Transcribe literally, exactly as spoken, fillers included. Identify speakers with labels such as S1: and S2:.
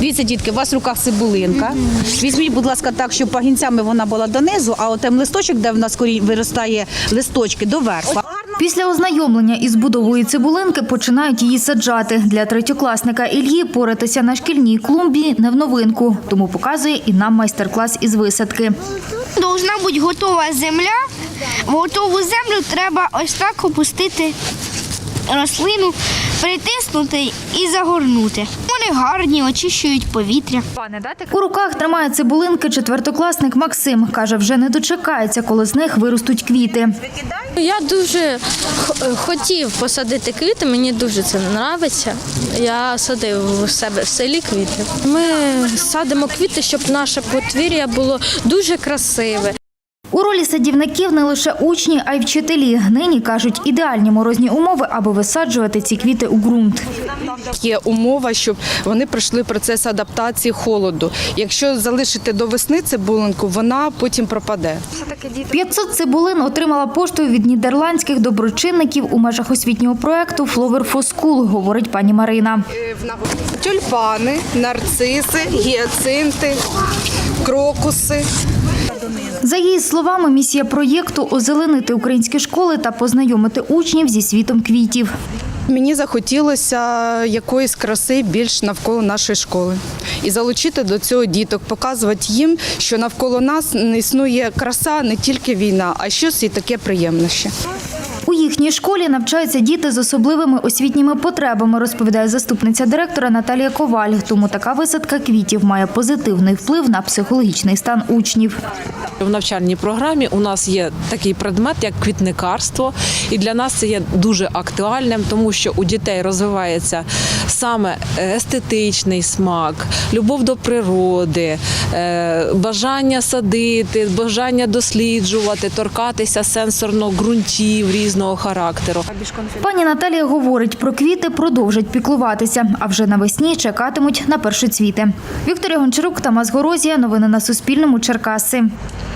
S1: Дивіться, дітки, у вас в руках цибулинка. Візьміть, будь ласка, так, щоб пагінцями вона була донизу, а отем листочок, де в нас корінь виростає листочки, доверху.
S2: Після ознайомлення із будовою цибулинки починають її саджати. Для третьокласника Ільї поратися на шкільній клумбі не в новинку, тому показує і нам майстер-клас із висадки.
S3: Должна бути готова земля. В готову землю треба ось так опустити рослину, притиснути і загорнути. Вони гарні, очищують повітря.
S2: У руках тримає цибулинки четвертокласник Максим. Каже, вже не дочекається, коли з них виростуть квіти.
S4: Я дуже хотів посадити квіти, мені дуже це подобається. Я садив у себе в селі квіти. Ми садимо квіти, щоб наше подвір'я було дуже красиве.
S2: У ролі садівників не лише учні, а й вчителі. Нині, кажуть, ідеальні морозні умови, аби висаджувати ці квіти у ґрунт.
S5: Є умова, щоб вони пройшли процес адаптації холоду. Якщо залишити до весни цибулинку, вона потім пропаде.
S2: п'ятсот цибулин отримала поштою від нідерландських доброчинників у межах освітнього проєкту «Flower for School», говорить пані Марина.
S5: Тюльпани, нарциси, гіацинти, крокуси.
S2: За її словами, місія проєкту – озеленити українські школи та познайомити учнів зі світом квітів.
S5: Мені захотілося якоїсь краси більш навколо нашої школи. І залучити до цього діток, показувати їм, що навколо нас не існує краса, не тільки війна, а щось і таке приємне ще.
S2: У їхній школі навчаються діти з особливими освітніми потребами, розповідає заступниця директора Наталія Коваль. Тому така висадка квітів має позитивний вплив на психологічний стан учнів.
S6: В навчальній програмі у нас є такий предмет, як квітникарство. І для нас це є дуже актуальним, тому що у дітей розвивається саме естетичний смак, любов до природи, бажання садити, бажання досліджувати, торкатися сенсорно ґрунтів різного характеру.
S2: Пані Наталія говорить, про квіти продовжать піклуватися, а вже навесні чекатимуть на першоцвіти. Вікторія Гончарук, Тамас Горозія. Новини на Суспільному. Черкаси.